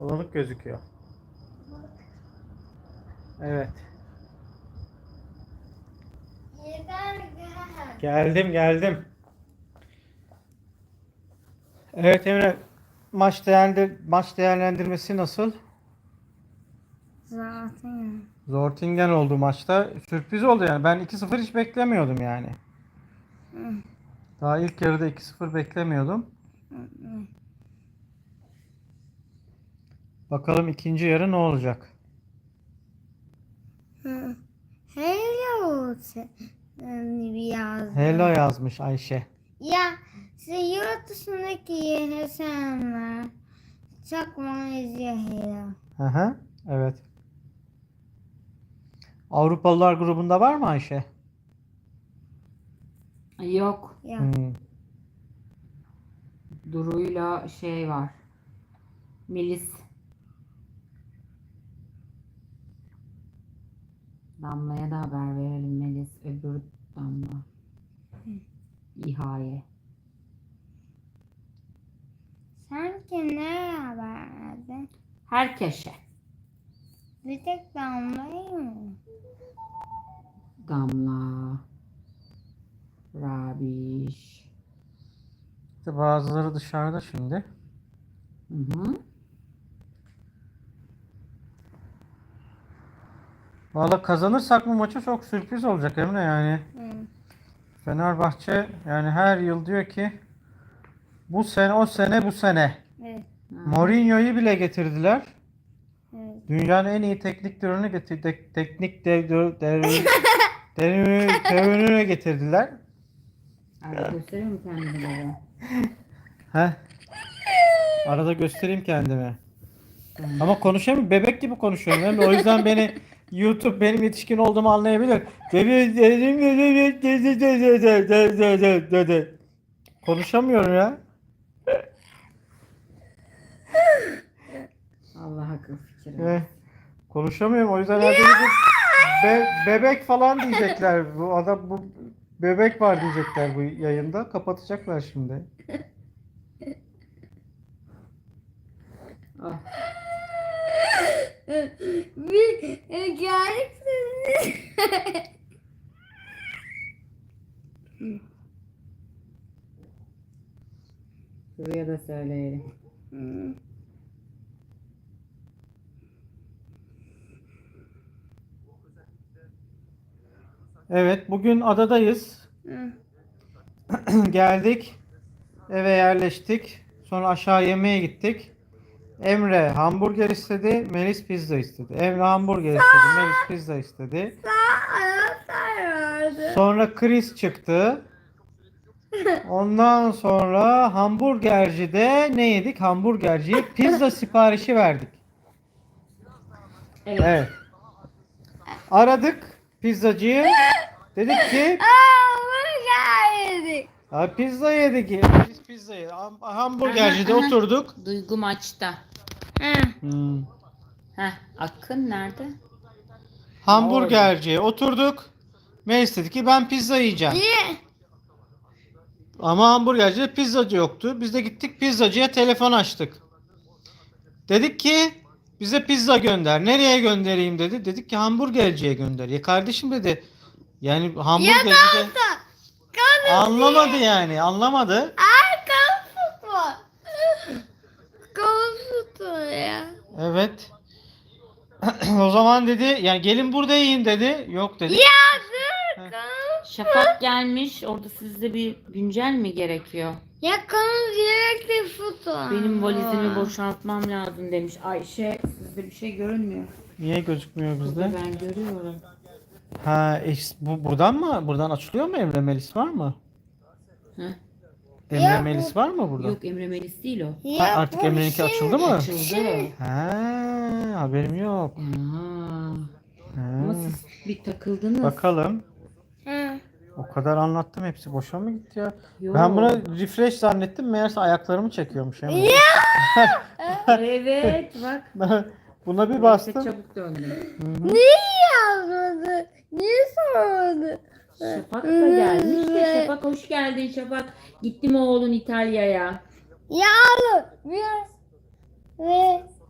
Bulanık gözüküyor. Evet. Geldim. Evet Emre, maç değerlendirmesi nasıl? Zaten. Zortingen oldu maçta. Sürpriz oldu yani. Ben 2-0 hiç beklemiyordum yani. Daha ilk yarıda 2-0 beklemiyordum. Bakalım ikinci yarı ne olacak? Hello yazdı. Hello yazmış Ayşe. Ya yurt dışındaki insanlar çok benziyor hello. Hı hı. Evet. Avrupalılar grubunda var mı Ayşe? Yok. Ya. Duru'yla şey var. Melis. Damla'ya da haber verelim Melis. Öbür Damla. İHA'ye. Sen kimlere haber verdin? Herkese. Bir tek Damla'yı mı? Damla. Rabiş. İşte bazıları dışarıda şimdi. Hı hı. Valla kazanırsak bu maçı çok sürpriz olacak Emre yani. Fenerbahçe yani her yıl diyor ki bu sene o sene bu sene. Evet. Mourinho'yu bile getirdiler. Evet. Dünyanın en iyi teknik direktörünü teorini getirdiler. Arada gösteriyor mu kendini baba? Heh. Arada göstereyim kendimi. Ama konuşamıyorum. Bebek gibi konuşuyorum. Emre. O yüzden beni YouTube benim yetişkin olduğumu anlayabilir. Konuşamıyorum ya. Allah akıl fikir Eh, versin. konuşamıyorum. O yüzden herhalde bebek falan diyecekler. Bu adam bu bebek var diyecekler bu yayında. Kapatacaklar şimdi. Ah. Bir geldik. Duru'ya da söyleyelim. Evet, bugün adadayız. Geldik. Eve yerleştik. Sonra aşağı yemeğe gittik. Emre hamburger istedi, Melis pizza istedi. Emre hamburger istedi, Melis pizza istedi. Anahtar vardı. Sonra Chris çıktı. Ondan sonra hamburgercide ne yedik? Hamburgerciye pizza siparişi verdik. Evet. Evet. Aradık pizzacıyı. Dedik ki Hamburger yedik. pizza yedik. Biz pizza yedik. Hamburgercide Aha. oturduk. Duygu maçta. Hmm. Akın nerede? Hamburgerciye oturduk. Melis dedi ki ben pizza yiyeceğim. Niye? Ama hamburgercide pizzacı yoktu. Biz de gittik pizzacıya telefon açtık. Dedik ki bize pizza gönder. Nereye göndereyim dedi. Dedik ki hamburgerciye gönder. Ya kardeşim dedi. Yani hamburgercide anlamadı yani. Anlamadı. Kalsın mı? Kalsın ya. Evet. O zaman dedi yani gelin burada yiyin dedi. Yok dedik. Ya dur. Şafak gelmiş. Orada sizde bir güncel mi gerekiyor? Ya kanım sürekli futbol. Benim valizimi boşaltmam lazım demiş. Ayşe sizde bir şey görünmüyor. Niye gözükmüyor Burada bizde? ben görüyorum. Bu buradan mı? Buradan açılıyor mu Emre Melis var mı? Heh. Emre Ya Melis var mı burada? Yok Emre Melis değil o. Ya Artık bu Emre'ninki şimdi- açıldı mı? Açıldı. Haberim yok. Aa, Ha. ama siz bir takıldınız. Bakalım. Ha. O kadar anlattım hepsi boşa mı gitti ya? Yok. Ben buna refresh zannettim meğerse ayaklarımı çekiyormuş Emre. Evet bak. Buna bir Neyse, bastım. çabuk döndü. Niye yazmadı? Niye sormadı? Şafak da gelmiş de Şafak hoş geldin Şafak. Gitti mi oğlun İtalya'ya? Ya oğlum. Biraz. Ve